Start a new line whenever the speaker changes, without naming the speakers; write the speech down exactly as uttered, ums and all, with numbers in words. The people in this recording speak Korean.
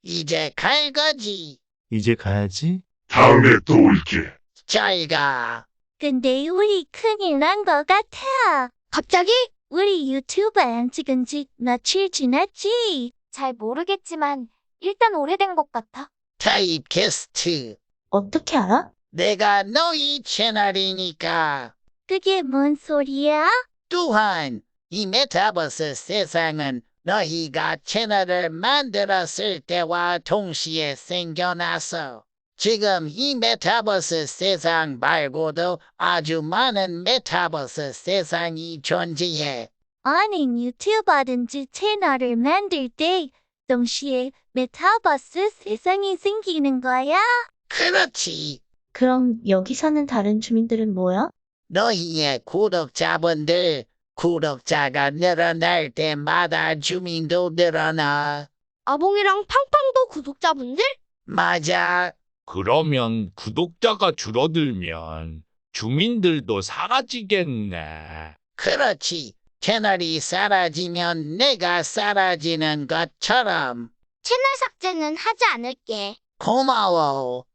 이제 갈 거지.
이제 가야지.
다음에 또 올게.
잘 가.
근데 우리 큰일 난 것 같아.
갑자기?
우리 유튜브 안 찍은 지 며칠 지났지?
잘 모르겠지만 일단 오래된 것 같아.
타입캐스트.
어떻게 알아?
내가 너희 채널이니까.
그게 뭔 소리야?
또한 이 메타버스 세상은 너희가 채널을 만들었을 때와 동시에 생겨났어. 지금 이 메타버스 세상 말고도 아주 많은 메타버스 세상이 존재해.
아니 유튜버든지 채널을 만들 때 동시에 메타버스 세상이 생기는 거야?
그렇지.
그럼 여기 사는 다른 주민들은 뭐야?
너희의 구독자분들, 구독자가 늘어날 때마다 주민도 늘어나.
아봉이랑 팡팡도 구독자분들?
맞아.
그러면 구독자가 줄어들면 주민들도 사라지겠네.
그렇지. 채널이 사라지면 내가 사라지는 것처럼.
채널 삭제는 하지 않을게.
고마워.